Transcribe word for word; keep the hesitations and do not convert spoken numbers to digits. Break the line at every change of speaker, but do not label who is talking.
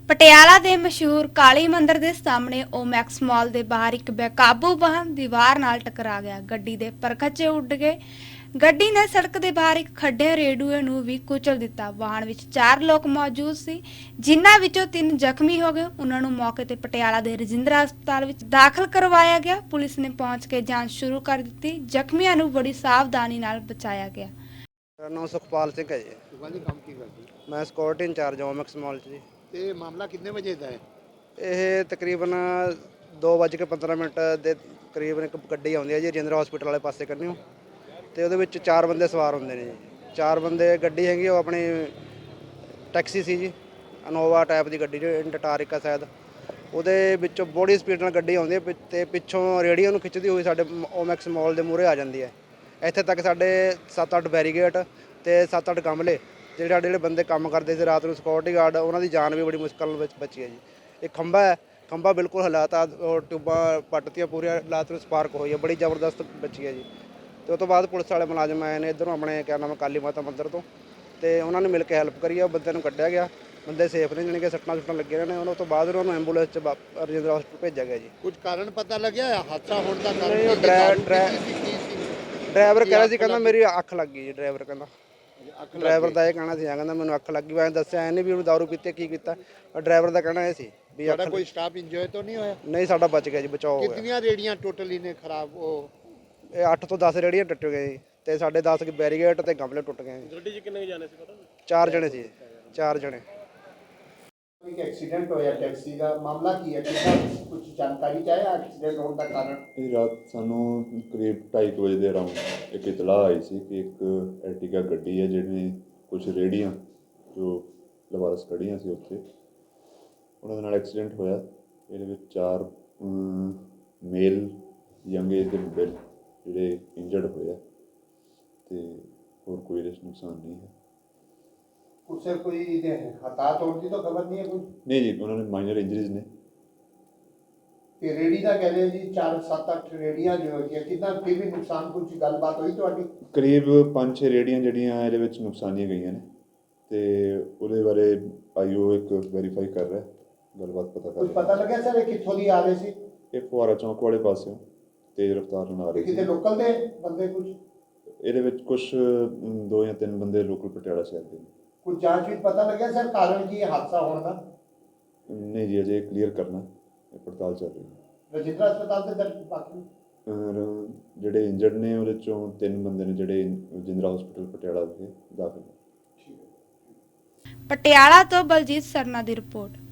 ਪਟਿਆਲਾ ਦੇ ਮਸ਼ਹੂਰ ਕਾਲੀ ਮੰਦਿਰ ਦੇ ਸਾਹਮਣੇ ਓਮੈਕਸ ਮਾਲ ਦੇ ਬਾਹਰ ਇੱਕ ਬੇਕਾਬੂ ਵਾਹਨ ਦੀਵਾਰ ਨਾਲ ਟਕਰਾ ਗਿਆ। ਗੱਡੀ ਦੇ ਪਰਖਚੇ ਉੱਡ ਗਏ। ਗੱਡੀ ਨੇ ਸੜਕ ਦੇ ਬਾਹਰ ਇੱਕ ਖੱਡੇ ਰੇਡੂਏ ਨੂੰ ਵੀ ਕੁਚਲ ਦਿੱਤਾ। ਵਾਹਨ ਵਿੱਚ ਚਾਰ ਲੋਕ ਮੌਜੂਦ ਸੀ, ਜਿਨ੍ਹਾਂ ਵਿੱਚੋਂ ਤਿੰਨ ਜ਼ਖਮੀ ਹੋ ਗਏ। ਉਹਨਾਂ ਨੂੰ ਮੌਕੇ ਤੇ ਪਟਿਆਲਾ ਦੇ ਰਜਿੰਦਰਾ ਹਸਪਤਾਲ ਵਿੱਚ ਦਾਖਲ ਕਰਵਾਇਆ ਗਿਆ। ਪੁਲਿਸ ਨੇ ਪਹੁੰਚ ਕੇ ਜਾਂਚ ਸ਼ੁਰੂ ਕਰ ਦਿੱਤੀ। ਜ਼ਖਮੀਆਂ ਨੂੰ ਬੜੀ ਸਾਵਧਾਨੀ ਨਾਲ ਬਚਾਇਆ ਗਿਆ।
ਮੇਰਾ ਨਾਮ ਸੁਖਪਾਲ ਸਿੰਘ ਹੈ ਜੀ।
ਸੁਖਪਾਲ ਜੀ ਕੰਮ ਕੀ ਕਰਦੇ?
ਮੈਂ ਸਿਕਿਉਰਿਟੀ ਇੰਚਾਰਜ ਓਮੈਕਸ ਮਾਲ 'ਚ ਜੀ।
ਤੇ ਮਾਮਲਾ ਕਿੰਨੇ ਵਜੇ ਦਾ ਹੈ?
ਇਹ ਤਕਰੀਬਨ ਦੋ ਵੱਜ ਕੇ ਪੰਦਰਾਂ ਮਿੰਟ ਦੇ ਕਰੀਬਨ ਇੱਕ ਗੱਡੀ ਆਉਂਦੀ ਹੈ ਜੀ ਰਜਿੰਦਰਾ ਹਸਪੀਟਲ ਵਾਲੇ ਪਾਸੇ ਕੰਨਿਓ, ਤੇ ਉਹਦੇ ਵਿੱਚ ਚਾਰ ਬੰਦੇ ਸਵਾਰ ਹੁੰਦੇ ਨੇ ਜੀ। ਚਾਰ ਬੰਦੇ ਗੱਡੀ ਹੈਗੀ ਉਹ ਆਪਣੀ ਟੈਕਸੀ ਸੀ ਜੀ, ਇਨੋਵਾ ਟਾਈਪ ਦੀ ਗੱਡੀ ਜੋ ਟਟਾਰਿਕਾ ਸ਼ਾਇਦ। ਉਹਦੇ ਵਿੱਚੋਂ ਬੜੀ ਸਪੀਡ ਨਾਲ ਗੱਡੀ ਆਉਂਦੀ ਹੈ ਤੇ ਪਿੱਛੋਂ ਰੇਹੜੀਆਂ ਨੂੰ ਖਿੱਚਦੀ ਹੋਈ ਸਾਡੇ ਓਮੈਕਸ ਮਾਲ ਦੇ ਮੂਹਰੇ ਆ ਜਾਂਦੀ ਹੈ। ਇੱਥੇ ਤੱਕ ਸਾਡੇ ਸੱਤ ਅੱਠ ਬੈਰੀਗੇਟ ਤੇ ਸੱਤ ਅੱਠ ਗਮਲੇ ਜਿਹੜੇ ਸਾਡੇ ਜਿਹੜੇ ਬੰਦੇ ਕੰਮ ਕਰਦੇ ਸੀ ਰਾਤ ਨੂੰ ਸਿਕਿਉਰਿਟੀ ਗਾਰਡ, ਉਹਨਾਂ ਦੀ ਜਾਨ ਵੀ ਬੜੀ ਮੁਸ਼ਕਲ ਵਿੱਚ ਬਚੀ ਹੈ ਜੀ। ਇਹ ਖੰਭਾ ਹੈ, ਖੰਭਾ ਬਿਲਕੁਲ ਹਾਲਾਤ ਟਿਊਬਾਂ ਪੱਟਤੀਆਂ ਪੂਰੀਆਂ, ਰਾਤ ਨੂੰ ਸਪਾਰਕ ਹੋਈ ਹੈ, ਬੜੀ ਜ਼ਬਰਦਸਤ ਬਚੀ ਹੈ ਜੀ। ਤੇ ਉਸ ਤੋਂ ਬਾਅਦ ਪੁਲਿਸ ਵਾਲੇ ਮੁਲਾਜ਼ਮ ਆਏ ਨੇ ਇੱਧਰੋਂ ਆਪਣੇ ਕਿਆ ਨਾਮ ਕਾਲੀ ਮਾਤਾ ਮੰਦਿਰ ਤੋਂ, ਤੇ ਉਹਨਾਂ ਨੇ ਮਿਲ ਕੇ ਹੈਲਪ ਕਰੀ ਆ, ਬੰਦੇ ਨੂੰ ਕੱਢਿਆ ਗਿਆ। ਬੰਦੇ ਸੇਫ ਨੇ, ਜਾਣੀ ਕਿ ਸੱਟਾਂ ਸੁੱਟਾਂ ਲੱਗੀਆਂ ਨੇ। ਉਹਨਾਂ ਤੋਂ ਬਾਅਦ ਉਹਨਾਂ ਨੂੰ ਐਂਬੂਲੈਂਸ 'ਚ ਰਜਿੰਦਰਾ ਹਸਪਤਾਲ ਭੇਜਿਆ ਗਿਆ ਜੀ।
ਕੁਝ ਕਾਰਨ ਪਤਾ ਲੱਗਿਆ ਹਾਦਸਾ ਹੋਣ ਦਾ?
ਨਹੀਂ, ਉਹ ਡਰਾਈਵਰ ਕਹਿ ਰਿਹਾ ਸੀ, ਕਹਿੰਦਾ ਮੇਰੀ ਅੱਖ ਲੱਗ ਗਈ ਜੀ। ਡਰਾਈਵਰ ਕਹਿੰਦਾ ਡਰਾਈਵਰ ਦਾ ਇਹ ਕਹਿਣਾ ਸੀ, ਕਹਿੰਦਾ ਮੈਨੂੰ ਅੱਖ ਲੱਗੀ। ਮੈਂ ਦੱਸਿਆ ਇਹਨੇ ਵੀ ਉਹਨੂੰ ਦਾਰੂ ਪੀਤੀ ਕੀ ਕੀਤਾ। ਡਰਾਈਵਰ ਦਾ ਕਹਿਣਾ ਇਹ ਸੀ ਵੀ
ਤੁਹਾਡਾ ਕੋਈ ਸਟਾਫ ਇੰਜੋਏ ਤਾਂ ਨਹੀਂ ਹੋਇਆ?
ਨਹੀਂ, ਸਾਡਾ ਬਚ ਗਿਆ ਜੀ, ਬਚਾਓ ਹੋ ਗਿਆ।
ਕਿੰਨੀਆਂ ਰੇੜੀਆਂ ਟੋਟਲੀ ਨੇ ਖਰਾਬ? ਉਹ
ਇਹ ਅੱਠ ਤੋਂ ਦਸ ਰੇੜੀਆਂ ਟੁੱਟ ਗਏ ਜੀ, ਤੇ ਸਾਡੇ ਦਸ ਬੈਰੀਗੇਟ ਤੇ ਗਮਲੇ ਟੁੱਟ ਗਏ।
ਗੱਡੀ 'ਚ ਕਿੰਨੇ ਜਾਣੇ ਸੀ ਪਤਾ?
ਚਾਰ ਜਣੇ ਸੀ, ਚਾਰ ਜਣੇ।
ਇੱਕ ਐਕਸੀਡੈਂਟ ਹੋਇਆ ਟੈਕਸੀ ਦਾ, ਮਾਮਲਾ ਕੀ ਹੈ? ਕਿੰਨਾ ਕੁਝ ਜਾਣਕਾਰੀ ਚਾਹੀਏ ਐਕਸੀਡੈਂਟ ਹੋਣ ਦਾ ਕਾਰਨ?
ਇਹ ਰਾਤ ਸਾਨੂੰ ਕਰੀਬ ਢਾਈ ਕੁ ਵਜੇ ਦੇ ਅਰਾਊਂਡ ਇੱਕ ਇਤਲਾਹ ਆਈ ਸੀ ਕਿ ਇੱਕ ਐਰਟੀਗਾ ਗੱਡੀ ਹੈ ਜਿਹੜੀ ਕੁਝ ਰੇਹੜੀਆਂ ਜੋ ਲਵਾਰਸ ਖੜ੍ਹੀਆਂ ਸੀ ਉੱਥੇ, ਉਹਨਾਂ ਦੇ ਨਾਲ ਐਕਸੀਡੈਂਟ ਹੋਇਆ। ਇਹਦੇ ਵਿੱਚ ਚਾਰ ਮੇਲ ਯੰਗ ਏਜ ਦੇ ਮੁੰਡੇ ਜਿਹੜੇ ਇੰਜਰਡ ਹੋਏ ਆ, ਅਤੇ ਹੋਰ ਕੋਈ ਇਹਦੇ 'ਚ ਨੁਕਸਾਨ ਨਹੀਂ ਹੈ।
ਕੁਛ ਕੋਈ ਹਤਾਹਤ ਹੋਣ ਦੀ ਤਾਂ ਖਬਰ ਨਹੀਂ ਹੈ ਕੋਈ?
ਨਹੀਂ ਜੀ, ਉਹਨਾਂ ਨੇ ਮਾਈਨਰ ਇੰਜਰੀਜ਼ ਨੇ।
ਤੇ ਰੇੜੀ ਦਾ ਕਹਿ ਰਹੇ ਜੀ ਚਾਰ ਸੱਤ ਅੱਠ ਰੇੜੀਆਂ ਜੋ ਹੈਗੀਆਂ, ਕਿੰਨਾ ਫਿਰ ਵੀ ਨੁਕਸਾਨ? ਕੁਝ ਗੱਲਬਾਤ ਹੋਈ ਤੁਹਾਡੀ?
ਕਰੀਬ ਪੰਜ ਛੇ ਰੇਹੜੀਆਂ ਜਿਹੜੀਆਂ ਇਹਦੇ ਵਿੱਚ ਨੁਕਸਾਨੀਆਂ ਗਈਆਂ ਨੇ, ਅਤੇ ਉਹਦੇ ਬਾਰੇ ਆਈ ਓ ਇੱਕ ਵੈਰੀਫਾਈ ਕਰ ਰਿਹਾ, ਗੱਲਬਾਤ ਪਤਾ ਕਰ
ਕੁਝ
ਰਿਹਾ।
ਪਤਾ ਲੱਗਿਆ ਸਰ ਇਹ ਕਿੱਥੋਂ ਦੀ ਆ ਰਹੇ ਸੀ?
ਇਹ ਫੁਆਰਾ ਚੌਂਕ ਵਾਲੇ ਪਾਸਿਓਂ ਤੇਜ਼ ਰਫ਼ਤਾਰ ਨਾਲ ਆ ਰਹੀ ਸੀ।
ਕਿਤੇ ਲੋਕਲ ਦੇ ਬੰਦੇ ਕੁਝ?
ਇਹਦੇ ਵਿੱਚ ਕੁਛ ਦੋ ਜਾਂ ਤਿੰਨ ਬੰਦੇ ਲੋਕਲ ਪਟਿਆਲਾ ਸ਼ਹਿਰ ਦੇ ਨੇ।
ਕੁਝ ਜਾਂਚ ਵਿੱਚ ਪਤਾ ਲੱਗਿਆ ਸਰ ਕਾਰਨ ਕੀ ਹੈ ਹਾਦਸਾ ਹੋਣ ਦਾ?
ਨਹੀਂ ਜੀ, ਅਜੇ ਕਲੀਅਰ ਕਰਨਾ, ਇਹ ਪੜਤਾਲ ਚੱਲ ਰਹੀ ਹੈ।
ਰਜਿੰਦਰਾ ਹਸਪਤਾਲ ਦੇ ਦਰਜ ਬਾਕੀ
ਔਰ ਜਿਹੜੇ ਇੰਜਰਡ ਨੇ ਉਹਦੇ 'ਚੋਂ ਤਿੰਨ ਬੰਦੇ ਨੇ ਜਿਹੜੇ ਰਜਿੰਦਰਾ ਹਸਪੀਟਲ ਪਟਿਆਲਾ ਵਿਖੇ ਦਾਖਲ ਨੇ।
ਪਟਿਆਲਾ ਤੋਂ ਬਲਜੀਤ ਸਰਨਾ ਦੀ ਰਿਪੋਰਟ।